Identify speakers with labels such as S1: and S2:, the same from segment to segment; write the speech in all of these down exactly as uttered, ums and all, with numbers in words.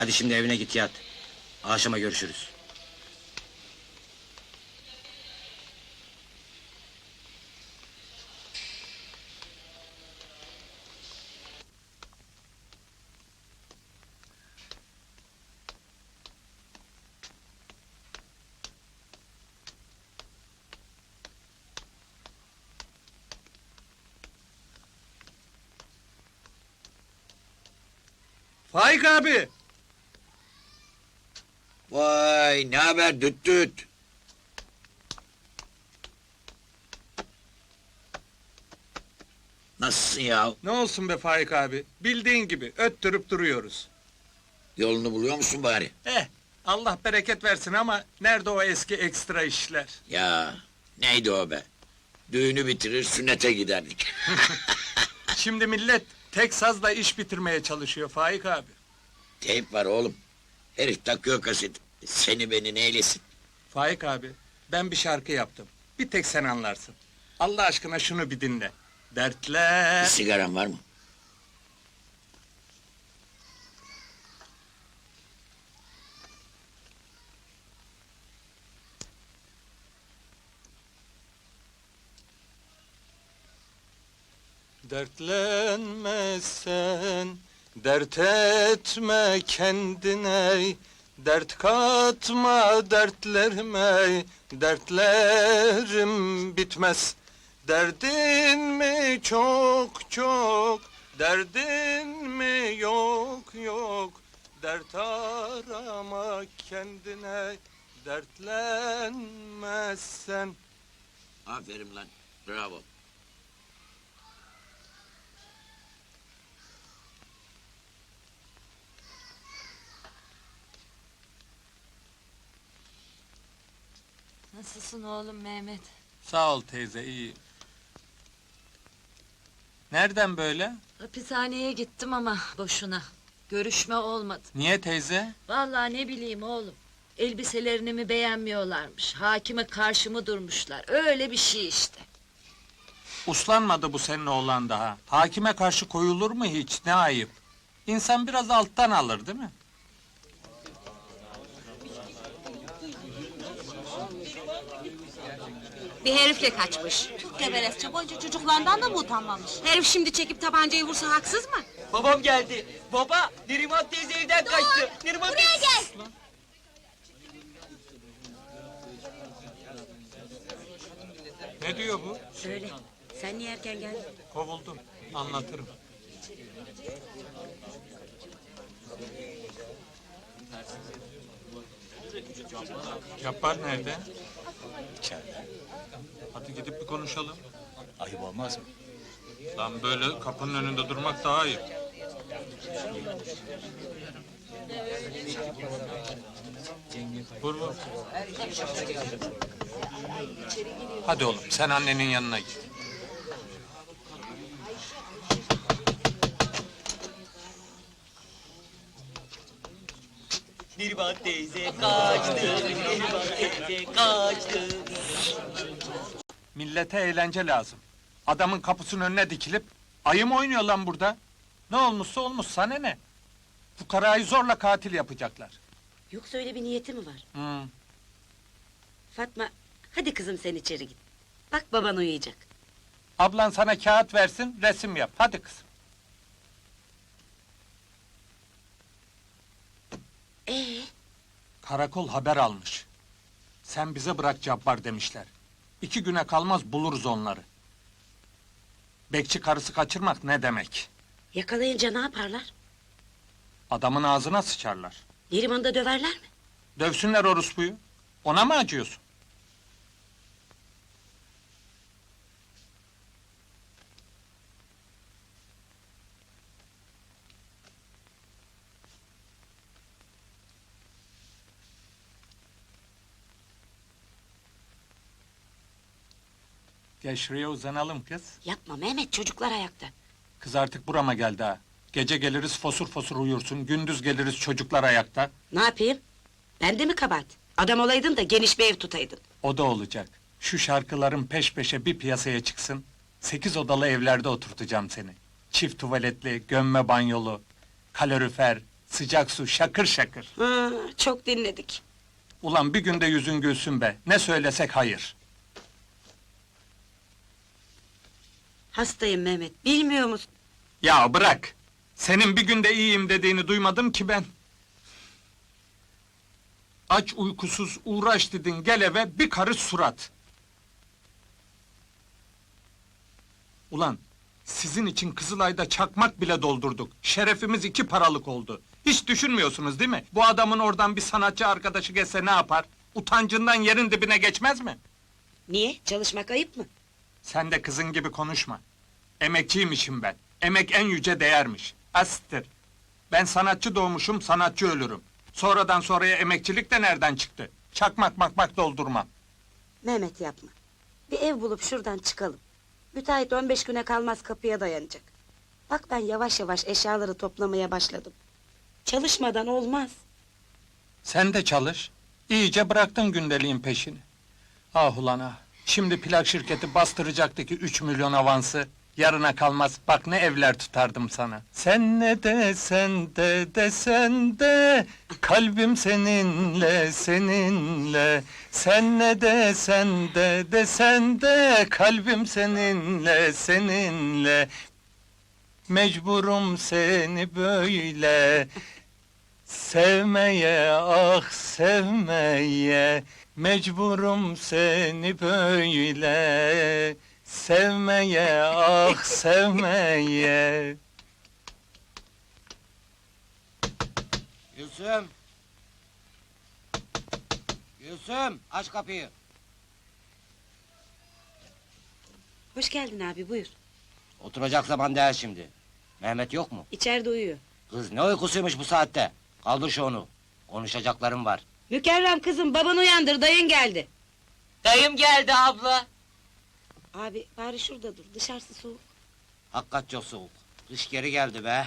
S1: Hadi şimdi evine git yat. Akşama görüşürüz.
S2: Faik abi!
S3: Vay ne haber düt düt. Nasılsın ya?
S2: Ne olsun be Faik abi, bildiğin gibi öttürüp duruyoruz.
S3: Yolunu buluyor musun bari?
S2: Eh, Allah bereket versin ama nerede o eski ekstra işler?
S3: Ya neydi o be? Düğünü bitirir sünnete giderdik.
S2: Şimdi millet tek sazla iş bitirmeye çalışıyor Faik abi.
S3: Teyp var oğlum. Herif takıyor kaset. Seni beni neylesin?
S2: Faik abi, ben bir şarkı yaptım. Bir tek sen anlarsın. Allah aşkına şunu bir dinle. Dertler...
S3: Bir sigaran var mı?
S2: Dertlenme sen, dert etme kendine, dert katma dertlerime, dertlerim bitmez. Derdin mi çok çok, derdin mi yok yok, dert arama kendine, dertlenme sen.
S3: Aferin lan. Bravo.
S4: Nasılsın oğlum Mehmet?
S2: Sağ ol teyze, iyi. Nereden böyle?
S4: Hapishaneye gittim ama boşuna. Görüşme olmadı.
S2: Niye teyze?
S4: Vallahi ne bileyim oğlum. Elbiselerini mi beğenmiyorlarmış. Hakime karşı mı durmuşlar. Öyle bir şey işte.
S2: Uslanmadı bu senin oğlan daha. Hakime karşı koyulur mu hiç? Ne ayıp. İnsan biraz alttan alır değil mi?
S5: Bir herifle kaçmış. Çok geberezce, boyunca çocuklarından da mı utanmamış? Herif şimdi çekip tabancayı vursa haksız mı?
S6: Babam geldi. Baba, Neriman teyze evden kaçtı. Neriman
S5: Buraya gel!
S2: Ne diyor bu?
S5: Söyle, sen niye erken geldin?
S2: Kovuldum. Anlatırım. Cabbar nerede?
S7: İçeride.
S2: Hadi gidip bir konuşalım.
S7: Ayıp olmaz mı?
S2: Lan böyle kapının önünde durmak daha iyi. Vur vur. Hadi oğlum, sen annenin yanına git.
S6: Neriman teyze kaçtı. Neriman teyze kaçtı.
S2: Millete eğlence lazım. Adamın kapısının önüne dikilip ayı mı oynuyor lan burada? Ne olmuşsa olmuş, sana ne? Fukarayı zorla katil yapacaklar.
S5: Yoksa öyle bir niyeti mi var?
S2: Hmm.
S5: Fatma, hadi kızım sen içeri git. Bak baban uyuyacak.
S2: Ablan sana kağıt versin, resim yap. Hadi kızım.
S5: Ee,
S2: Karakol haber almış. Sen bize bırak Cabbar demişler. İki güne kalmaz buluruz onları. Bekçi karısı kaçırmak ne demek?
S5: yakalayınca ne yaparlar?
S2: Adamın ağzına sıçarlar.
S5: Neriman'ı da döverler mi?
S2: Dövsünler orospuyu. Ona mı acıyorsun? Gel şuraya uzanalım kız.
S5: Yapma Mehmet, çocuklar ayakta.
S2: Kız artık burama geldi ha. Gece geliriz fosur fosur uyursun, gündüz geliriz çocuklar ayakta.
S5: Ne yapayım? Ben de mi kabahat? Adam olaydın da geniş bir ev tutaydın.
S2: O da olacak. Şu şarkıların peş peşe bir piyasaya çıksın. Sekiz odalı evlerde oturtacağım seni. Çift tuvaletli, gömme banyolu, kalorifer, Sıcak su, şakır şakır.
S5: Hı, çok dinledik.
S2: Ulan bir günde yüzün gülsün be. Ne söylesek hayır.
S5: Hastayım Mehmet, bilmiyor musun?
S2: Ya bırak! Senin bir günde iyiyim dediğini duymadım ki ben. Aç uykusuz uğraş dedin, gel eve bir karış surat. Ulan, sizin için Kızılay'da çakmak bile doldurduk. Şerefimiz iki paralık oldu. Hiç düşünmüyorsunuz değil mi? Bu adamın oradan bir sanatçı arkadaşı gelse ne yapar? Utancından yerin dibine geçmez mi?
S5: Niye? Çalışmak ayıp mı?
S2: Sen de kızın gibi konuşma. Emekçiymişim ben. Emek en yüce değermiş. Asittir. Ben sanatçı doğmuşum, sanatçı ölürüm. Sonradan sonraya emekçilik de nereden çıktı? Çakmak makmak doldurmam.
S5: Mehmet yapma. Bir ev bulup şuradan çıkalım. Müteahhit on beş güne kalmaz kapıya dayanacak. Bak ben yavaş yavaş eşyaları toplamaya başladım. Çalışmadan olmaz.
S2: Sen de çalış. İyice bıraktın gündeliğin peşini. Ah ulan ah. Şimdi plak şirketi bastıracaktı ki üç milyon avansı. Yarına kalmaz, bak ne evler tutardım sana. Sen ne desen de desen de, kalbim seninle, seninle. Sen ne desen de desen de, kalbim seninle, seninle. Mecburum seni böyle sevmeye, ah sevmeye. Mecburum seni böyle sevmeye, ah sevmeye.
S1: Gülsüm! Gülsüm, aç kapıyı.
S5: Hoş geldin abi, buyur.
S1: Oturacak zaman değil şimdi. Mehmet yok mu?
S5: İçeride uyuyor.
S1: Kız ne uykusuymuş bu saatte? Kaldır şu onu. Konuşacaklarım var.
S5: Mükerrem kızım, baban uyandır, dayın geldi.
S6: Dayım geldi abla.
S5: Abi bari şurada dur, dışarısı soğuk.
S1: Hakikat çok soğuk. Kış geri geldi be.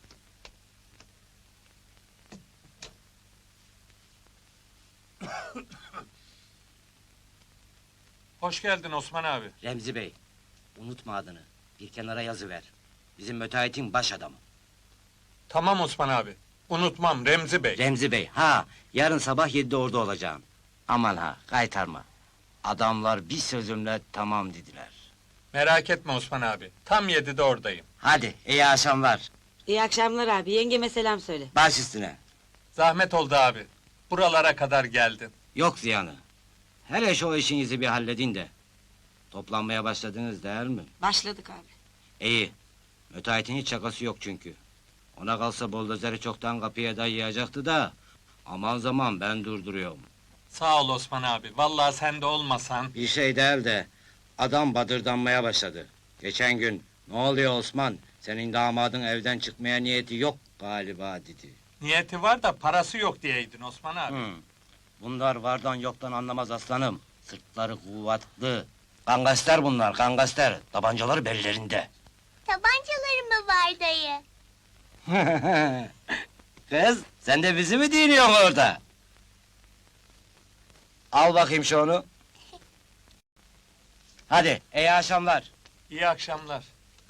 S2: Hoş geldin Osman abi.
S1: Remzi Bey, unutma adını. Bir kenara yazıver. Bizim müteahhitin baş adamı.
S2: Tamam Osman abi. Unutmam Remzi Bey.
S1: Remzi Bey, ha, yarın sabah yedide orada olacağım. Aman ha, kaytarma. Adamlar bir sözümle tamam dediler.
S2: Merak etme Osman abi. Tam yedide oradayım.
S1: Hadi, iyi akşamlar.
S5: İyi akşamlar abi, yengeme selam söyle.
S1: Baş üstüne.
S2: Zahmet oldu abi. Buralara kadar geldin.
S1: Yok ziyanı. Hele şu işinizi bir halledin de. Toplanmaya başladınız değil mi?
S5: Başladık abi.
S1: İyi. Müteahhitin hiç şakası yok çünkü. Ona kalsa buldozeri çoktan kapıya dayayacaktı da... Aman zaman ben durduruyorum.
S2: Sağ ol Osman abi. Vallahi sen de olmasan.
S1: Bir şey değil de... Adam badırdanmaya başladı. Geçen gün... Ne oluyor Osman? Senin damadın evden çıkmaya niyeti yok galiba dedi.
S2: Niyeti var da parası yok diyeydin Osman abi.
S1: Hı. Bunlar vardan yoktan anlamaz aslanım. Sırtları kuvvetli. Kangaster bunlar, kangaster. Tabancaları bellerinde.
S8: Tabancaları mı var dayı?
S1: Kız, sen de bizi mi dinliyorsun orada? Al bakayım şu onu. Hadi, iyi akşamlar.
S2: İyi akşamlar.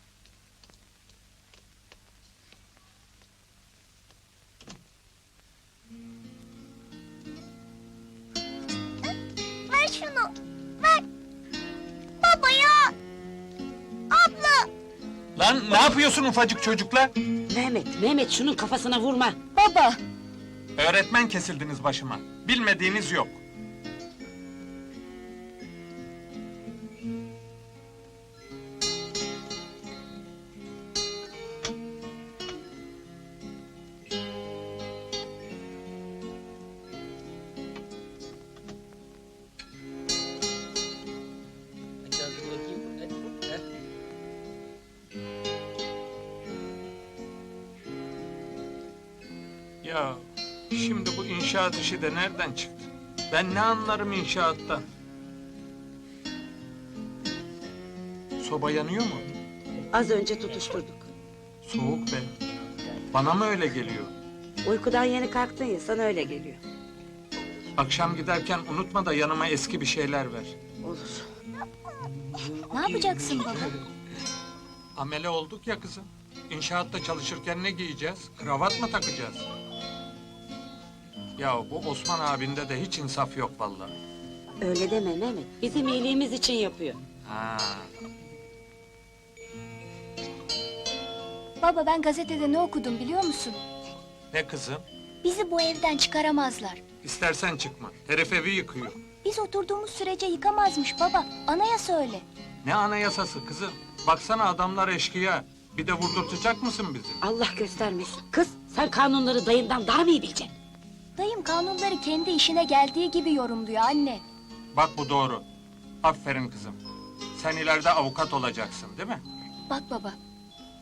S8: Ver şunu, ver! Baba ya! Abla!
S2: Lan ne yapıyorsun ufacık çocukla?
S5: Mehmet, Mehmet şunun kafasına vurma.
S8: Baba!
S2: Öğretmen kesildiniz başıma. Bilmediğiniz yok. Ya şimdi bu inşaat işi de nereden çıktı? Ben ne anlarım inşaattan? Soba yanıyor mu?
S5: Az önce tutuşturduk.
S2: Soğuk be. Bana mı öyle geliyor?
S5: Uykudan yeni kalktın ya, sana öyle geliyor.
S2: Akşam giderken unutma da yanıma eski bir şeyler ver.
S5: Olur.
S8: Ne yapacaksın baba?
S2: Amele olduk ya kızım. İnşaatta çalışırken ne giyeceğiz? Kravat mı takacağız? Ya bu Osman abinde de hiç insaf yok vallahi.
S5: Öyle deme Mehmet. Bizim iyiliğimiz için yapıyor.
S2: Ha.
S8: Baba ben gazetede ne okudum biliyor musun?
S2: Ne kızım?
S8: Bizi bu evden çıkaramazlar.
S2: İstersen çıkma. Herif evi yıkıyor.
S8: Biz oturduğumuz sürece yıkamazmış baba. Anayasa öyle.
S2: Ne anayasası kızım? Baksana adamlar eşkıya. Bir de vurdurtacak mısın bizi?
S5: Allah göstermesin. Kız sen kanunları dayından daha mı iyi bileceksin?
S8: Dayım kanunları kendi işine geldiği gibi yorumluyor anne.
S2: Bak bu doğru. Aferin kızım. Sen ileride avukat olacaksın değil mi?
S8: Bak baba